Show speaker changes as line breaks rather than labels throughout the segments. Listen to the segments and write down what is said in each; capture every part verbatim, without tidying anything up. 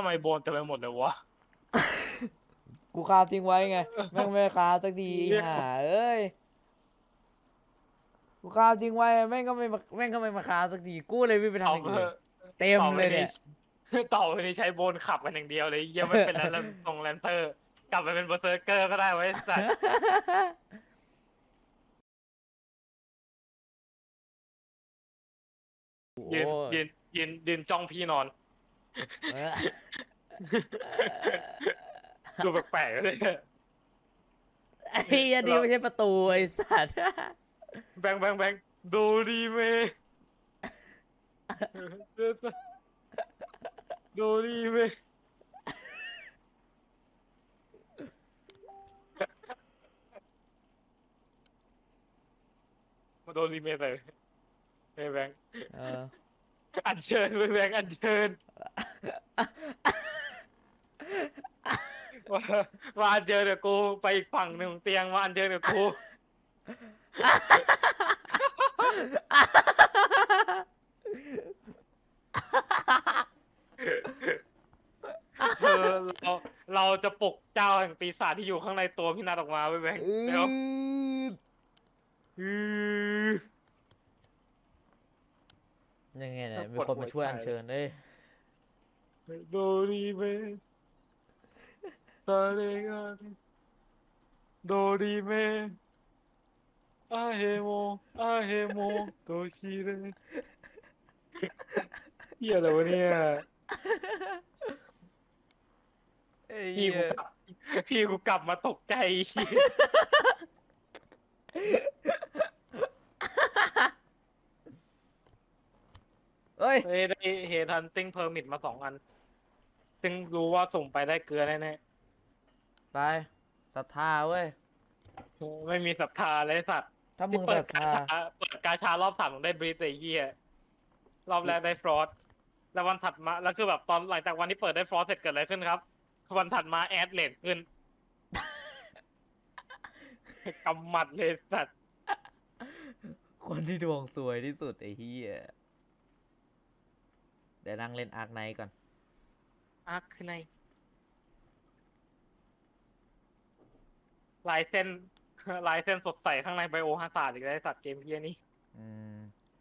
ไมโบนเต็มไปหมดเลยวะ
กูคาบทิ้งไว้ไงแม่งไม่คาบสักทีห่าเอ้ยกูคาบทิ้งไว้แม่งก็ไม่มาแม่งก็ไม่มาคาบสักทีกูเลยวิ่งไปทำ
ต่อ
อย่าง
ไป
อื่นเต็มเลยเนี่ย
ต่อไปนี้ใช้โบนขับกันอย่างเดียวเลยยังไม่เป็นแล้วตรงแลนเตอร์กลับไปเป็นเบอร์เซอร์เกอร์ก็ได้ไว้สัตว์ยืนยืนยืนยืนจ้องพี่นอนดูแปลกๆเลย
ไอ้ยันดีไม่ใช่ประตูไอ้สัตว์
แบงแบงแบงดูดีเมดูดีเมมาโดนดีเมไปเฮ้ยแบงอัญเชิญไปแบงอัญเชิญว่าว่าอัญเชิญเดี๋ยวกูไปอีกฝั่งหนึ่งเตียงว่าอัญเชิญเดี๋ยวกูเออเราเราจะปลุกเจ้าแห่งปีศาจที่อยู่ข้างในตัวพี่นัทออกมาไปแบงเดี๋ยว
ยังไงเนี่ยมีคนมาช่วยอัญเชิญเลย
โดรีเมตาเลกันโดรีเมอาเฮโมอาเฮโมโตชิเรเฮียอะไรวะเนี่ยพี่กูกลับพี่กูกลับมาตกใจ
เฮ้ย
ได้เฮทันติ้งเพอร์มิทมาสองอันซึ่งรู้ว่าส่งไปได้เกลือแน่
ๆไปศรัทธาเว้ย
ไม่มีศรัทธาเลยสัตว์
ถ้ามึงศรัทธา
เปิดกาชารอบสามมึงได้บรีสไอ้เหี้ยรอบแรกได้ฟรอสแล้ววันถัดมาแล้วคือแบบตอนหลังจากวันที่เปิดได้ฟรอสเสร็จเกิดอะไรขึ้นครับวันถัดมาแอดเลทขึ้นกำหมัดเลยสัตว์
คนที่ดวงสวยที่สุดไอ้เหี้ยเดี๋ยวนั่งเล่นอาร์คไนท์ก่อน
อาร์คไนท์ลายเส้นลายเส้นสดใสข้างในไบโอฮาซาร์ดอีกแล้วสัตว์เกมเฮียนี่
อืม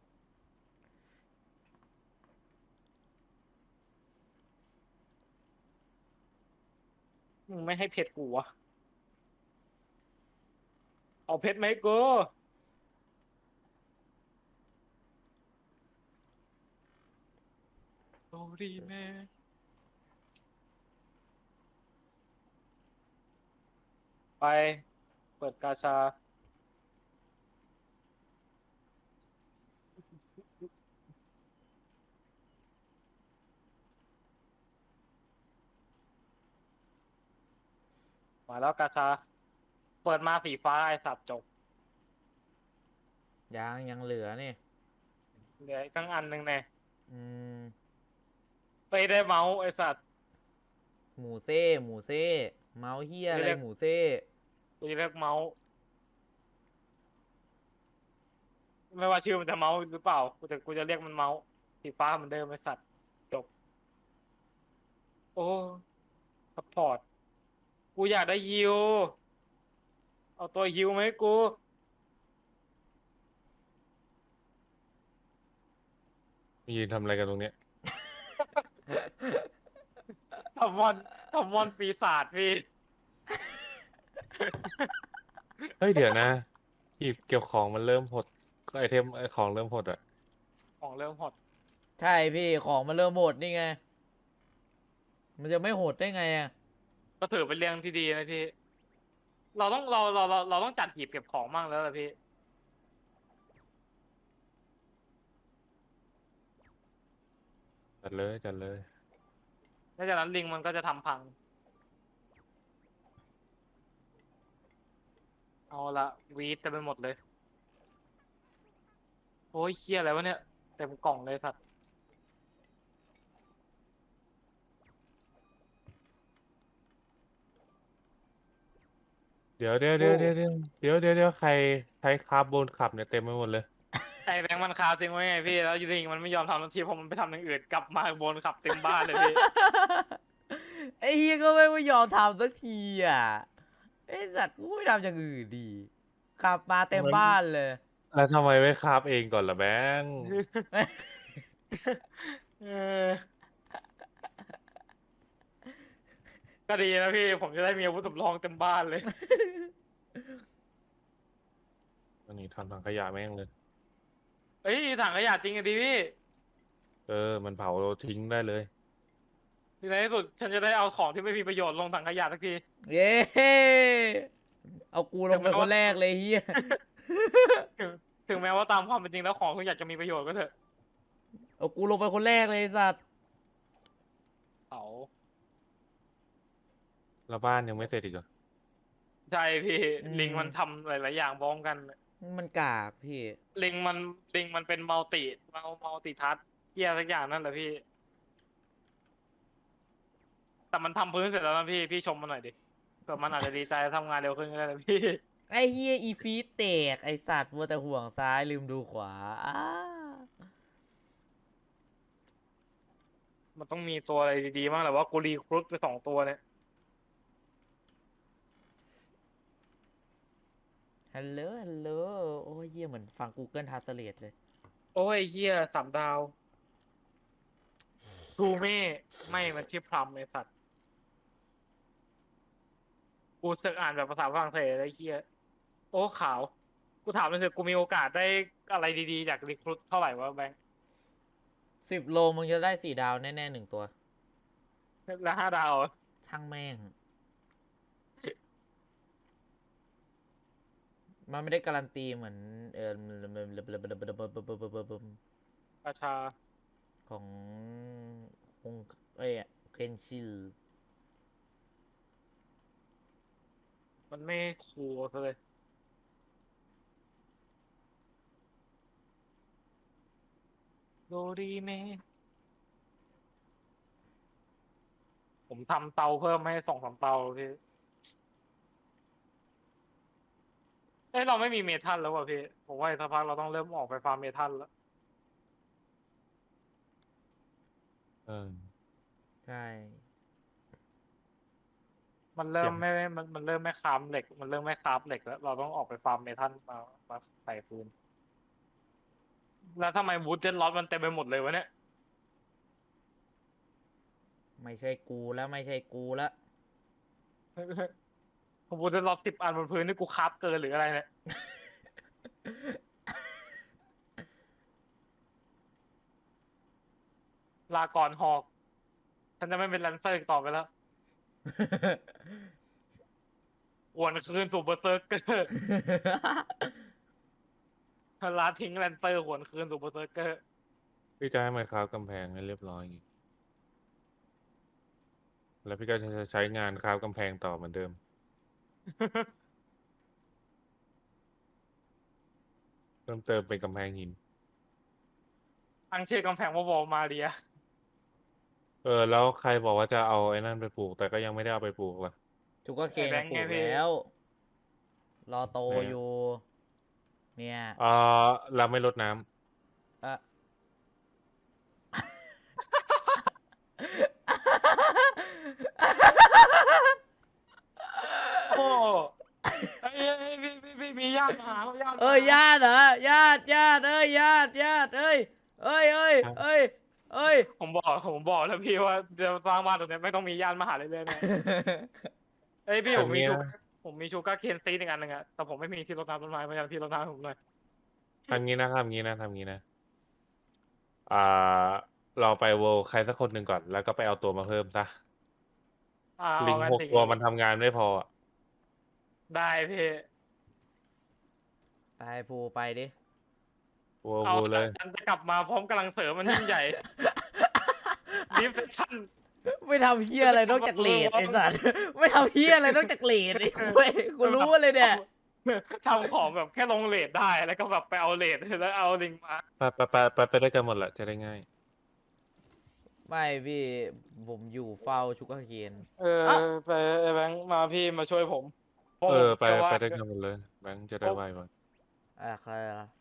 มึงไม่ให้เพชรกูวะเอาเพชรไหมกูโอ้ดีแม่ไปเปิดกาชามาแล้วกาชาเปิดมาสีฟ้าไอ้สัตว์จบ
ยังยังเหลือนี่
เหลืออีกตั้งอันหนึ่งเนี่ย
อืม
ไปได้เมาส์ไอ้สัตว์
หมูเซ่หมูเซ่เมาส์เฮียอะไรหมูเซ่
กูจะเรียกเมาส์ไม่ว่าชื่อมันจะเมาส์หรือเปล่ากูจะกูจะเรียกมันเมาส์สีฟ้าเหมือนเดิมไอ้สัตว์จบโอ้ซัพพอร์ตกูอยากได้ฮิวเอาตัวฮิวไหมกู
ยืนทำอะไรกันตรงเนี้ย
ทำมอนทำมอนปีศาจพี่
เฮ้ยเดี๋ยวนะหยิบเก็บของมันเริ่มหดไอเทมไอของเริ่มหดอ่ะ
ของเริ่มหด
ใช่พี่ของมันเริ่มโหดนี่ไงมันจะไม่โหดได้ไงอ่ะ
ก็ถือเป็นเรื่องที่ดีนะพี่เราต้องเราเราเราเราต้องจัดหีบเก็บของมั่งแล้วล่ะพี่
จัดเลยจัดเลย
นอกจากนั้นลิงมันก็จะทำพังเอาละวีดเต็มไปหมดเลยโอ้ยเคี้ยอะไรวะเนี่ยเต็มกล่องเลยสัตว์
เดี๋ยวเดี๋ยวเดี๋ยวเดี๋ยวเดี๋ยวเดี๋ยวเดี๋ยวเดี๋ยวใครใช้คาร์บอนขับเนี่ยเต็มไปหมดเลย
ไอ้แบงค์มันคาจริงไว้ไงพี่แล้วลิงมันไม่ยอมทำทันทีพอมันไปทำอย่างอื่นกลับมาบนขับเต็มบ้านเลยพี่
ไอ้เฮียก็ไม่ยอมทำสักทีอ่ะไอ้สัตว์กูไม่ทำอย่างอื่นดีขับมาเต็มบ้านเลย
แล้วทำไมไม่คาบเองก่อนล่ะแบงค์
เออก็ดีนะพี่ผมจะได้มีอาวุธสำรองเต็มบ้านเลย
อันนี้ทำถังขยะแม่งเลย
เอ้ยถังขยะจริงอะดีพี่
เออ มันเผาทิ้งได้เลย
ทีในที่สุดฉันจะได้เอาของที่ไม่มีประโยชน์ลงถังขยะสักที
เย้เอากูลงไปคนแรกเลยเฮีย
ถึงถึงแม้ว่าตามความเป็นจริงแล้วของคุณอยากจะมีประโยชน์ก็เถอะ
เอากูลงไปคนแรกเลยไอ้สัตว์
เอา
แล้วบ้านยังไม่เสร็จอีกเหรอ
ใช่พี่ลิงมันทำหลายๆอย่างพร้อมกัน
มันกากพี่
ลิงมันลิงมันเป็นมัลติมัลมัลติทัสเกียสักอย่างนั่นแหละพี่ แต่มันทำพื้นเสร็จแล้วนะพี่พี่ชมมันหน่อยดิเผื่อมันอาจจะดีใจทำงานเร็วขึ้นก็ได้นะพี่
ไอ้เฮียอีฟีดแตกไอสัตว์มัวแต่ห่วงซ้ายลืมดูขวาอ้า
มันต้องมีตัวอะไรดีๆบ้างแหละว่ากูรีครุฑไปสองตัวเนี่ย
ฮัลโหลฮัลโหลโอ้ยเฮียเหมือนฟัง Google Translate เลย
โอ้ยเฮียสามดาวทูเม่ไม่มันชื่อพลัมไอสัตว์กูเสิร์ชอ่านแบบภาษาฝรั่งเศสไอ้เฮียโอ้ขาวกูถามเลยเถอะกูมีโอกาสได้อะไรดีๆจากรีครุฑเท่าไหร่วะแบงค์
สิบโลมึงจะได้สี่ดาวแน่ๆหนึ่งตัว
แล้วห้าดาว
ช่างแม่ง มันไม่ได้การันตีเหมือนเออ
ราชา
ของคงเอ้ยเคนชิล
มันไม่คูลซะเลยโดดีเมผมทำเตาเพิ่มให้สองสามเตาพี่เอ้ยเราไม่มีเมทัลแล้วว่ะพี่ผมว่าอีกสักพักเราต้องเริ่มออกไปฟาร์มเมทัลแล้ว
เออ
ใช่
มันเริ่ม
อย่าง
ไม่ไม่มันมันเริ่มไม่คราฟเหล็ก มันเริ่มไม่คราฟเหล็กแล้วเราต้องออกไปฟาร์มเมทัลมามาใส่ฟืนแล้วทำไมวูดเจ็ดล็อตมันเต็มไปหมดเลยวะเนี่ย
ไม่ใช่กูแล้วไม่ใช่กูแล้ว
วูดเจ็ดล็อตสิบอันบนพื้นนี่กูคราฟเกินหรืออะไรเนี่ย ลาก่อนหอก ฉันจะไม่เป็นแลนเซอร์อีกต่อไปแล้วหวนคืนสู่เบอร์เซอร์เกอร์ลาทิ้งแลนเซอร์หวนคืนสู่เบอร์เซอร์เกอร์
พี่จะให้ไมค์ครับกำแพงให้เรียบร้อยอย่างงี้ แล้วพี่ก็จะใช้งานคราบกำแพงต่อเหมือนเดิม เพิ่มเติมเป็นกำแพงหิน
ตั้งชื่อกำแพงว่าวอลมาเรีย
เออ แล้วใครบอกว่าจะเอาไอ้นั่นไปปลูก แต่ก็ยังไม่ได้เอาไปปลูกล่ะ
จุกก็เคน
ไอ้แบงค์
ปลู
ไง
ก
พี่
แล้ว รอโต
ไหนอะ
อยู่ เนี่ย
เออเราไม่ลดน้ำ
เอะ
โอ้ไอ้ยพี่พี่พี่มีญาติมาหาญาติมา
เอ้ยญาติเหรอญาติญาติเอ้ยญาติญาติเอ้ยเอ้ยเอ้ยเอ้ยเอ้ย
ผมบอกผมบอกแล้วพี่ว่าจะสร้างบ้านตรงนี้ไม่ต้องมีญาติมาหาเลยเลยนะเอ้ยพี่ผมมี
อันเนี้ย
ชูผมมีชูการ์เคนซีดอีกอันหนึ่งอะแต่ผมไม่มีที่รดน้ำต้นไม้พยายามที่รดน้ำให้ผมหน่อย
ทำงี้นะทำงี้นะทำงี้นะ อ่า เราไปโวลใครสักคนหนึ่งก่อน แล้วก็ไปเอาตัวมาเพิ่มซะ
อ่า
ลิ
เอา
ง
งั้น
หก
อย่าง
ตัว
งี้
มันทำงานไม่พออะ
ได้พี่
ไปภูไปดิ
โวล
เอา
โวลเลย
ฉันจะกลับมาพร้อมกำลังเสริมมันยิ่งใหญ่ดิฟเซชั่น
ไม่ทำเฮียอะไรนอกจากเลดไอ้สัสไม่ทำเฮียอะไรนอกจากเลดไอ้เว้ยกูรู้เลยเนี่ย
ทำของแบบแค่ลงเลทได้แล้วก็แบบไปเอาเลทแล้วเอาลิงมา
ไปไปไปไปไปด้วยกันหมดแหละจะได้ง่าย
ไม่พี่ผมอยู่เฝ้าชุกเคน
เออไปไอ้แบงค์มาพี่มาช่วยผมพราะ
เออ
ผม
ไป
ชื่ว่า
ไปด้วยกันหมดเลย แบงค์จะได้ไวกว่า
อ่ะใครอ่ะ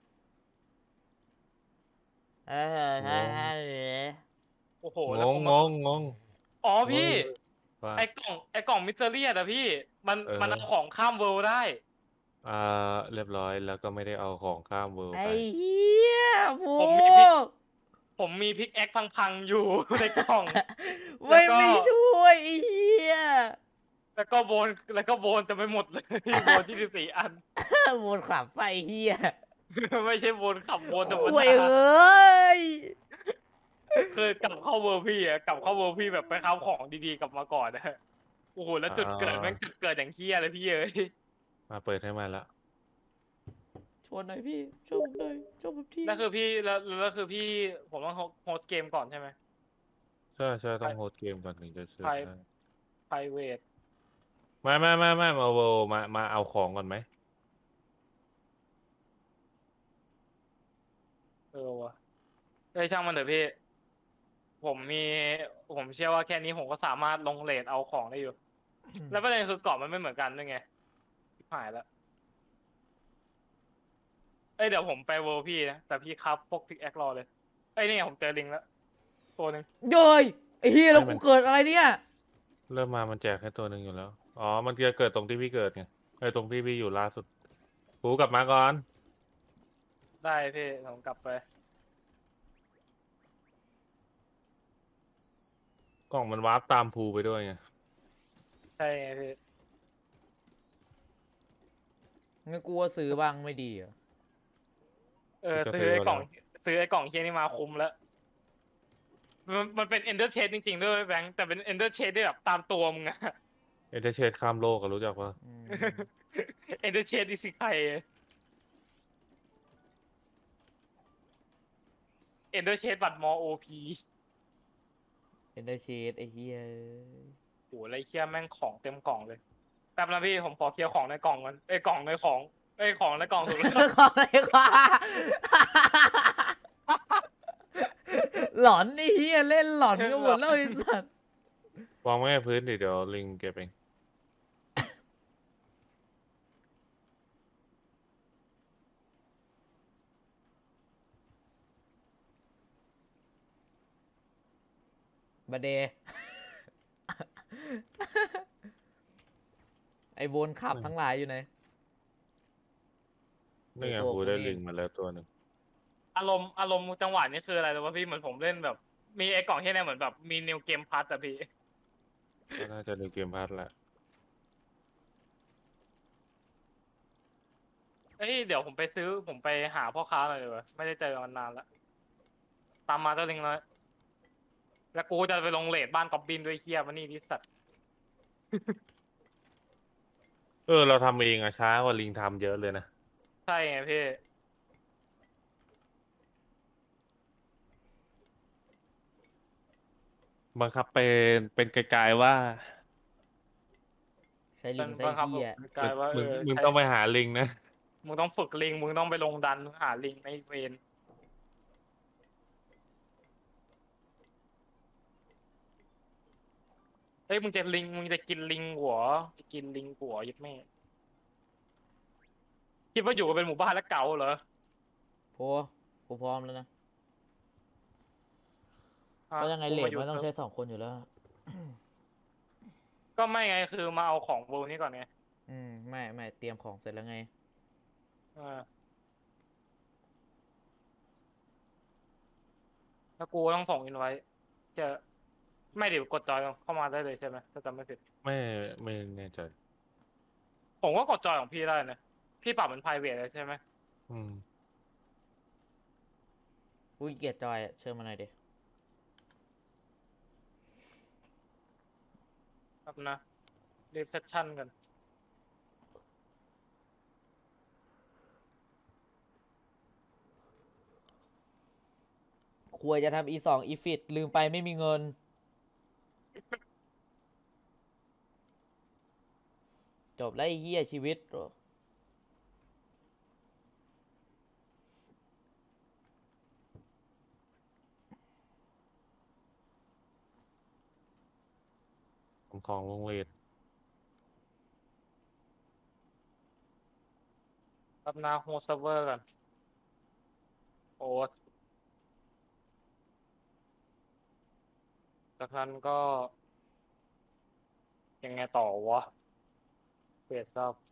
เฮ้ยเฮ้ยเฮ้ย
โอ้โห
ง
แล้ว
ง
ผม
ง
มาง
งง
อ๋อพี่
เว่า
ไอ้กล่องไอ้กล่องมิสเตอรี่อะพี่ มัน
เออ
มันเอาของข้ามเวิลด์ได้
อ่าเรียบร้อยแล้วก็ไม่ได้เอาของข้ามเวิลด์
ไอ้
ไป
เหี้ยโม
ผมมีพิก ผมมีพิกแอคพังๆอยู่ ในกล่อง แล้
ไม่
วก็
ไม่ช่วยไอ้เหี้ย
แล้วก็โบนแล้วก็โบนแต่ไม่หมดเลย โบนยี่สิบสี่อัน
วนขับไฟเหี้ย
ไม่ใช่โบนขับโบนธรรม
ห่วย
ดา
เอ้ย
เคยกลับเข้าเวิร์พี่อะกลับเข้าเวิร์พี่แบบไปค้าของดีๆกลับมาก่อนนะโอ้โหแล้วจุดเกิดแม่งจุดเกิดอย่างเคี้ยเลยพี่เอ้ย
มาเปิดให้มันแล้ว
ชวนหน่อยพี่ชวนผมหน่อยชวนผมที
แล้วคือพี่แล้วแล้วคือพี่ผมต้องโฮสต์เกมก่อนใช่ไหม
ใช่ใช่ต้องโฮสต์เกมก่อนถึงจะเชิญ
ใช่
ได้
private
ไม่ไม่ไม่ไม่มาเวิลด์มามาเอาของก่อนไหม
เออวะเอ้ยช่างมันเถอะพี่ ผมมีผมเชื่อว่าแค่นี้ผมก็สามารถลงเรทเอาของได้อยู่ แล้วประเด็นคือกรอบมันไม่เหมือนกันด้วยไงหายแล้วเอ้ยเดี๋ยวผมไปเวิลด์พี่นะแต่พี่ครับพวกพิกแอครอเลยเอ้ยนี่ไงผมเจอลิงแล้วตัวหนึ่ง
โย้ยไอ้เหี้ยแล้ว
ไม่มั
กู
น
เกิดอะไรเนี่ย
เริ่มมามันแจกแค่ตัวหนึ่งอยู่แล้ว อ๋อ มันจะเกิดตรงที่พี่เกิดไงไอ้ยตรงที่พี่อยู่ล่าสุดกูกลับมาก่อน
ได้พี่ผมกลับไป
กล่องมันวาร์ปตามภูไปด้วยไง
ใช่ไงพี่
งั้นกูว่าซื้อบ้างไม่ดีเหรอ
เออ
ก็
ซื้
ซื้
อ
อ
ไอ้กล่อง
แล้ว
ซื้อไอ้กล่องเคียนี่มาคุ้มแล้วมันมันเป็นเอนเดอร์เชดจริงๆด้วยแบงค์แต่เป็นเอนเดอร์เชดได้แบบตามตัวมึงอะ
เอเดเชดข้ามโลกอะรู้จักปะ
อืม
เอนเดอร์เชดดิสิใครเอนเดอร์เชดบัตรมอโอพี
เป็นได้เชดไอ้เหี้ย
โอ้ไรเคียแม่งของเต็มกล่องเลยแป๊บนะพี่ผมขอเคลียร์ของในกล่องกันไอ้ยกล่องในของไอ้ยของในกล่องถูกแล้ว
ขออะไรกว่าหลอนไอ้เหี้ยเล่นหลอนกันหมดแล้วไอ้สัส
วางไว้ให้พื้นดิเดี๋ยวลิงเก็บเอง
บาเด ไอ้โบนขับทั้งหลายอยู่ไหน
นี่ไง
ตัว
ภู
กู
ได้
นี่
ลิงมาแล้วตัวหนึ่ง
อารมณ์อารมณ์จังหวะนี้คืออะไรรู้ป่ะพี่เหมือนผมเล่นแบบ มีไอ้กล่องที่เนี่ยเหมือนแบบมีนิวเกมพัทอะพี่
ก็น่าจะดูเกมพาร์ทแหละ
เอ้ยเดี๋ยวผมไปซื้อผมไปหาพ่อค้าหน่อยดีกว่าไม่ได้เจอกันนานแล้วตามมาเจ้าลิงเลยแล้วกูจะไปลงเลทบ้านกอบบินด้วยเคียมันนี่ดิสัตว์
เออเราทำเองอะช้ากว่าลิงทำเยอะเลยนะ
ใช่ไงพี่
บังคับเป็นเป็นไกลๆว่า
ใช้ลิ
เป็น
งใช้
บังคับ
เหี้ย
กลายว่าเอ
มึง
อ
มึง
ใช่
ต้องไปหาลิงนะ
มึงต้องฝึกลิงมึงต้องไปลงดันหาลิงในเวนเฮ้ยมึงจะลิงมึงจะกินลิงหัวจะกินลิงหัวยึดแม่คิดว่าอยู่กันเป็นหมู่บ้านแล้วเก่าเหรอ
โพกูพร้อมแล้วนะ
ฮะ
ก็ยังไง
กู
เล
มา
ท
อยู่
มันต้อง
เซิ
ใช้
ร์ฟ
สองคนอยู่แล้ว
ก็ไม่ไงคือมาเอาของเวลนี้ก่อนไง
อืมไม่ไม่เตรียมของเสร็จแล้วไง
อ่าแล้วกูต้องส่งอินไว้จะไม่เดี๋ยวกดจอยเข้ามาได้เลยใช่ไหมถ้าจำไม่ผิด
ไม่ไม่แน่ใจ
ผมก็กดจอยของพี่ได้นะพี่ปรับเป็น private เลยใช่ไหม
อืม
อุ้ยเกียดจอยอะเชิญมาหน่อยดิ
ครับนะรีเซพชั่นกัน
ควรจะทำ อี สอง อีฟิตลืมไปไม่มีเงิน จบแล้วไอ้เหี้ยชีวิต
ของของวงเวท
รับนาโฮสเวอร์กันโอ้จากนั้นก็ยังไงต่อวะเฟสซับ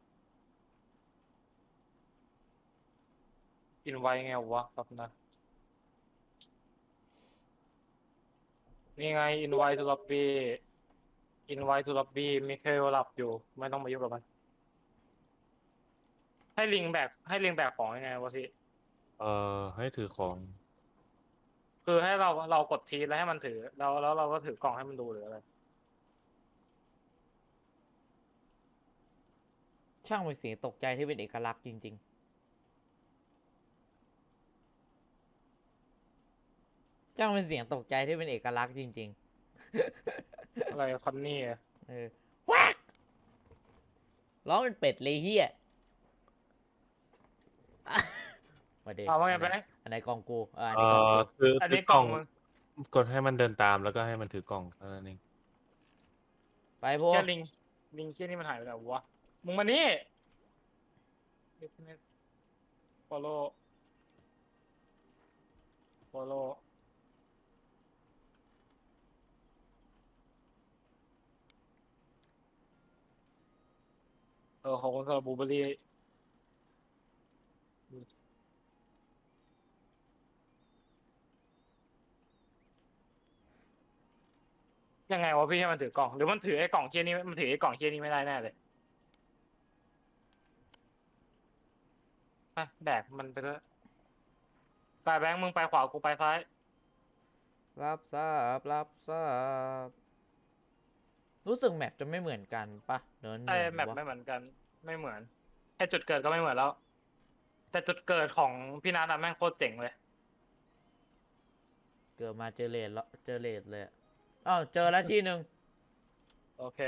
อินไว้ไงวะครับนะนี่ไงอินไว้ทูล็อบบี้อินไว้ทูล็อบบี้มิเคลหลับอยู่ไม่ต้องมายุ่งกับมันให้ลิงแบกให้ลิงแบกของยังไงวะพี่
เอ่อให้ถือของ
คือให้เราเรากดทีแล้วให้มันถือแล้วแล้วเราก็ถือกล่องให้มันดูหรืออะไร
ช่างเป็นเสียงตกใจที่เป็นเอกลักษณ์จริงๆ ช่างเป็นเสียงตกใจที่เป็นเอกลักษณ์จริง
อะไรคอนนี่อะ
ๆ เออวักร้องเป็นเป็ดเลยเฮีย มาเด็ก
เอาว่าไงไป
อันไหนกองกูอ่าอัน
เอ่
นี้กอง
อ
กู
คือ
อัน
ถื
นี้
อก ก
ล่
ล่
อ
อง ง
มึง
กดให้มันเดินตามแล้วก็ให้มันถือกล่องเท่านั้นเอง
ไปพวก
แค่ลิงลิงเชี่ยนี่มันหายไปแล้ววะมึงมานี่ follow follow เออของคนสำหรับบูเบอรี่ยังไงวะพี่ให้มันถือกล่องหรือมันถือไอ้กล่องเชี่ยนี่มันถือไอ้กล่องเชี่ยนี่ไม่ได้แน่เลยไปแบกมันไปเลยไปแบงค์มึงไปขวากูไปซ้าย
รับทราบรับทราบรู้สึกแมปจะไม่เหมือนกันปะเนิน
ใช่
เหมือน
แมป
วะ
ไม่เหมือนกันไม่เหมือนแค่จุดเกิดก็ไม่เหมือนแล้ว แต่จุดเกิดของพี่นัทอะแม่งโคตรเจ๋งเลย
เกิดมาเจอเลดแล้วเจอเลดเลยอะอ้าวเจอแล้วที่หนึ่ง
โอเค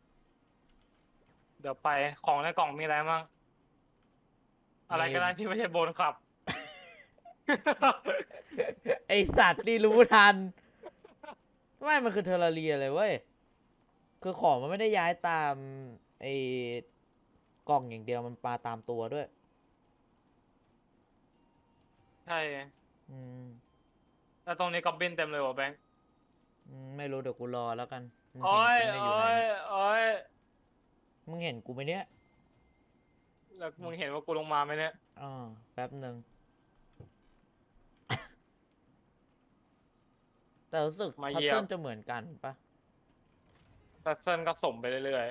เดี๋ยวไปของในกล่องมีอะไรบ้างอะไรก็ได้ที่ไม่ใช่โบนขับ
ไอสัตว์นี่รู้ทัน ไม่มันคือเทอร์เรียเลยเว้ย คือของมันไม่ได้ย้ายตามไอกล่องอย่างเดียวมันปาตามตัวด้วย
ใช่
อืม
แล้วตรงนี้ก็บินเต็มเลยว่ะแบงค์
อืมไม่รู้เดี๋ยวกูรอแล้วกัน มึง
โอ้
เห็น
ย
กูไม่ได้อยู่
โอ้
ไหน
ย
เนี่ย
โอ้ย
มึงเห็นกูไหมเนี่ย
แล้วมึงเห็นว่ากูลงมาไหมเนี่ย
อ๋อแป๊บหนึ่ง แต่รู้สึก
มา
พัซ
เยี่ย
เซิ
ม
ลจะเหมือนกันปะ
แพทเทิร์นก็สมไปเรื่อย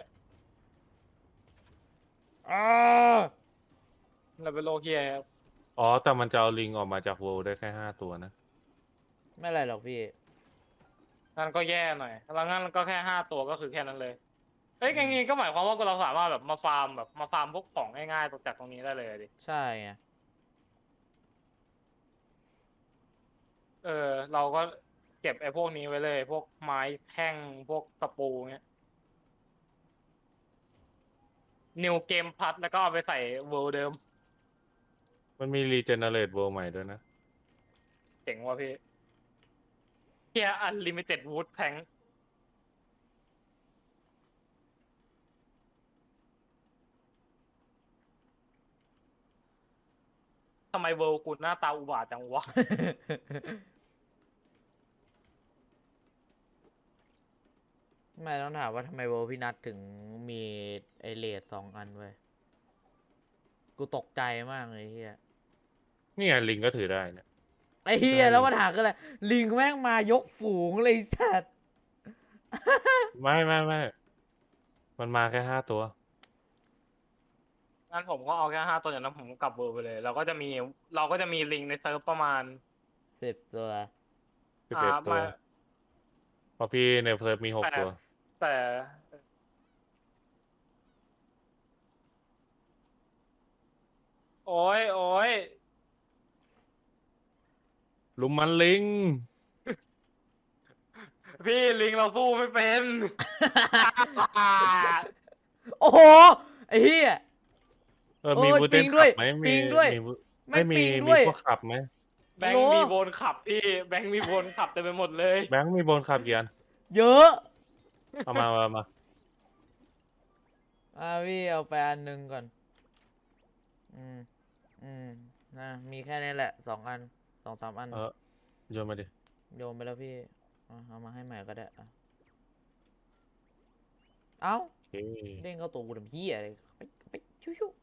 อ๋อ
ๆแล้วเป็นโลเคีย
อ๋อ แต่มันจะเอาลิงออกมาจากโวลได้แค่ห้าตัวนะ
ไม่อะไรหรอกพี่
นั่นก็แย่หน่อยแล้วงั้นก็แค่ห้าตัวก็คือแค่นั้นเลย เฮ้ยอย่างงี้ก็หมายความว่าเราสามารถแบบมาฟาร์มแบบมาฟาร์มพวกของง่ายๆจากตรงนี้ได้เลยดิ
ใช่ไง
เออ เราก็เก็บไอ้พวกนี้ไว้เลย พวกไม้แท่งพวกตะปูเงี้ยนิวเกมพัดแล้วก็เอาไปใส่เวิลด์เดิม
มันมีรีเจเนเรตโวลใหม่ด้วยนะ
เจ๋งว่ะพี่เฮียอันลิมิเต็ดวูดแพงทำไมเวิลด์กูหน้าตาอุบาทจังวะ
ไม่ต้องถามว่าทำไมโวลพี่นัทถึงมีไอเลดสองอันไว้ยกูตกใจมากเลยเฮีย
นี่ไงลิงก็ถือได้เนี่ย
ไอเฮีย
ได้
แล้วปัญหาคืออะไรลิงแม่งมายกฝูงเลยไอ้สัตว์
ไม่ไม่ไม่ มันมาแค่ห้าตัว
งั้นผมก็เอาแค่ห้าตัวอย่างนั้นผมก็กลับเวิลด์ไปเลย เราก็จะมีเราก็จะมีลิงในเซิร์ฟประมาณ
สิบตัว
สิบเอ็ด
อ่า
ตัว
มา
เพราะพี่ในเฟิร์ฟมีหก
แต่
ตัว
แต่ โอ้ยโอ้ย
ลุมมันลิง
พี่ลิงเราสู้ไม่เป็น
โอ้โหไอเฮีย
เออ
โอ้
มี
ย
บูเท
ปิ
น
งด้
ขั
วย
บไหม
ปิ
มี
งด้วย
มีบู
ไม่
ไม่มี
ปิง
มี
ด้วย
พวกขับไหม
แบงค์
โล
มีโบนขับพี่ แบงค์มีโบนขับเต็มไปหมดเลย
แบงค์มีบนขับกี่อัน
เยอะ
เอามาเอามา
อ่าพี่เอาไปอันหนึ่งก่อน อืม อืมนะมีแค่นี้แหละสองอันสองสามอัน
เออโยนมาดิ
โยนไปแล้วพี่อ่ะเอามาให้ใหม่ก็ได้อ่ะเอ้า
โอเค
เด้งเข้าตัวกูทำเหี้ยอะไรไปไปชิว